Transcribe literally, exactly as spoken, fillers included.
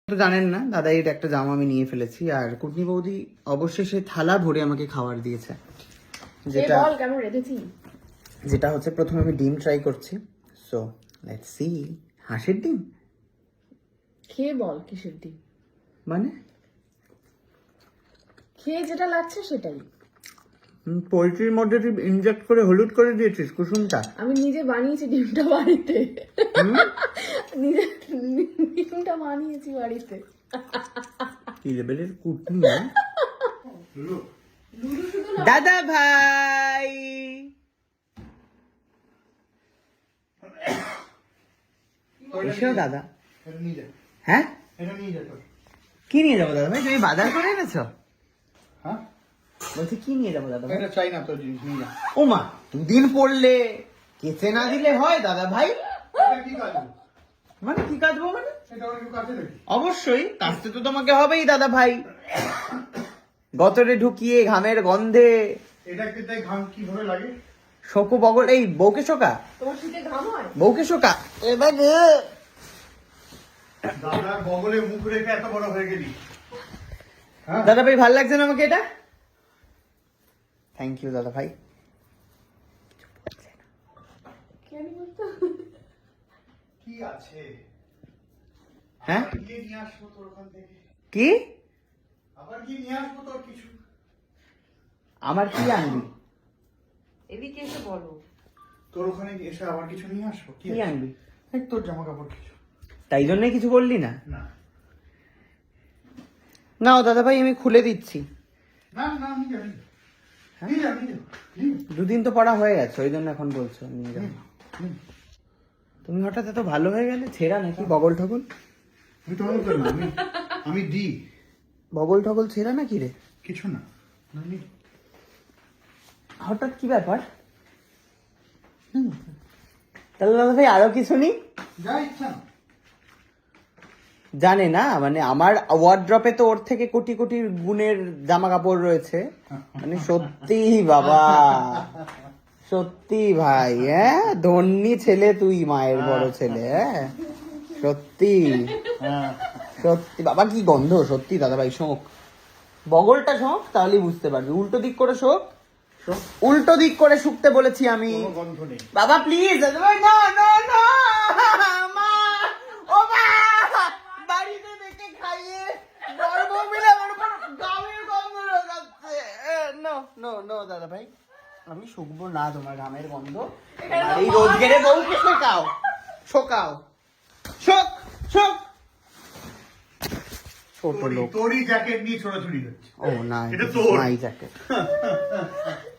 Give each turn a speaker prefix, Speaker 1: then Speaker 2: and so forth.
Speaker 1: তো জানেন না দাদা, এটা একটা জামা আমি নিয়ে ফেলেছি, আর কুটনি বৌদি অবশেষে থালা ভরে আমাকে খাবার দিয়েছে, যেটা
Speaker 2: কেমন রেখেছি,
Speaker 1: যেটা হচ্ছে প্রথমে আমি ডিম ট্রাই করছি। So let's see. হাঁসের ডিম
Speaker 2: খেয়ে বল কিসের ডিম,
Speaker 1: মানে
Speaker 2: খেয়ে যেটা লাগছে সেটাই।
Speaker 1: পোলট্রির মধ্যে তুই ইনজেক্ট করে হলুদ করে দিয়েছিস কুসুমটা।
Speaker 2: আমি নিজে বানিয়েছি ডিমটা বাড়িতে, নিজে ডিমটা বানিয়েছি বাড়িতে।
Speaker 1: কি লেভেলের কুটনি না? দাদা ভাই এসেও দাদা। হ্যাঁ কি নিয়ে যাবো দাদা ভাই? তুমি বাজার করে এনেছো?
Speaker 3: হ্যাঁ
Speaker 1: বলছি কি নিয়ে যাবো দাদা ভাই?
Speaker 3: এটা চাই না তোর জিনিস নিয়ে যা।
Speaker 1: ও মা, দুদিন পড়লে কেচে না দিলে হয় দাদা ভাই?
Speaker 3: এটা কি কাজ?
Speaker 1: মানে কি কাটবো মানে?
Speaker 3: এটা ওর একটু কাছে দেখি।
Speaker 1: অবশ্যই কাটতে তো তোমাকে হবেই দাদা ভাই, গতরে ঢুকিয়ে ঘামের গন্ধে।
Speaker 3: এটা কিন্তু ঘাম কিভাবে লাগে?
Speaker 1: শোকো বগল, এই বউকে শোকা,
Speaker 2: তোমার শীতে ঘাম হয়?
Speaker 1: বউকে শোকা। এবার
Speaker 3: দাদার বগলে মুখ রেখে এত বড় হয়ে গেলি। হ্যাঁ
Speaker 1: দাদা ভাই ভালো লাগছে না আমাকে এটা? থ্যাংক ইউ দাদা ভাই।
Speaker 2: কেন বলতো?
Speaker 3: কি আছে?
Speaker 1: হ্যাঁ
Speaker 3: আবার গিয়ে নিয়ে আসবো তোর ওখান থেকে।
Speaker 1: কি?
Speaker 3: আবার গিয়ে নিয়ে আসবো তোর কিছু।
Speaker 1: আমার কি আনবি?
Speaker 2: এদিকে এসে বলো।
Speaker 3: তোর ওখানে এসে আবার কিছু নিয়ে আসবো।
Speaker 1: কি আনবি?
Speaker 3: এই তোর জামা কাপড় কিছু।
Speaker 1: তাই জন্যই কিছু বললি না?
Speaker 3: না
Speaker 1: নাও দাদা ভাই, আমি খুলে দিচ্ছি।
Speaker 3: না না নিয়ে যা, নিয়ে যা, নিয়ে যা, নিয়ে যা।
Speaker 1: দুদিন তো পড়া হয়ে গেছে, ওই জন্য এখন বলছো নিয়ে যাও। তুমি হঠাৎ এত ভালো হয়ে গেলে, ছেঁড়া নাকি বগল ঠগল?
Speaker 3: আমি তো মনে করি না, আমি আমি দি
Speaker 1: বগল ঠগল ছেঁড়া নাকি রে?
Speaker 3: কিছু না। না, নি।
Speaker 1: হঠাৎ কি ব্যাপার? হুম, তাহলে দাদা ভাই আরো কিছু নি?
Speaker 3: যা ইচ্ছা না।
Speaker 1: জানে না মানে আমার ওয়ার্ড্রপে তো ওর থেকে কোটি কোটি গুণের জামা কাপড় রয়েছে, মানে সত্যি বাবা, সত্যি ভাই, হ্যাঁ ধন্যী ছেলে তুই, মায়ের বড় ছেলে। হ্যাঁ সত্যি
Speaker 3: হ্যাঁ
Speaker 1: সত্যি বাবা, কি গন্ধ সত্যি দাদা ভাই। শোক, বগলটা শোক, তাহলেই বুঝতে পারবি। উল্টো দিক করে শোক,
Speaker 3: শোক।
Speaker 1: উল্টো দিক করে শুকতে বলেছি আমি।
Speaker 3: কোনো গন্ধ নেই।
Speaker 1: বাবা প্লিজ দাদা ভাই, না না না, মা, ও মা, বাড়িতে দেখে খাইয়ে গর্ব মিলে আমার উপর গামের গন্ধ লাগাচ্ছে। নো নো নো দাদা ভাই, আমি শুকবো না তোমার ঘামের গন্ধ। তোমার এই রোজগেরে বউকে শোকাও, শোকাও, শোক শোক। ছোট
Speaker 3: তোরই-
Speaker 1: লোক।
Speaker 3: তোরই জ্যাকেট নিয়ে ছোড়াছুড়ি হচ্ছে।
Speaker 1: ও না,
Speaker 3: এটা তোর।
Speaker 1: My jacket.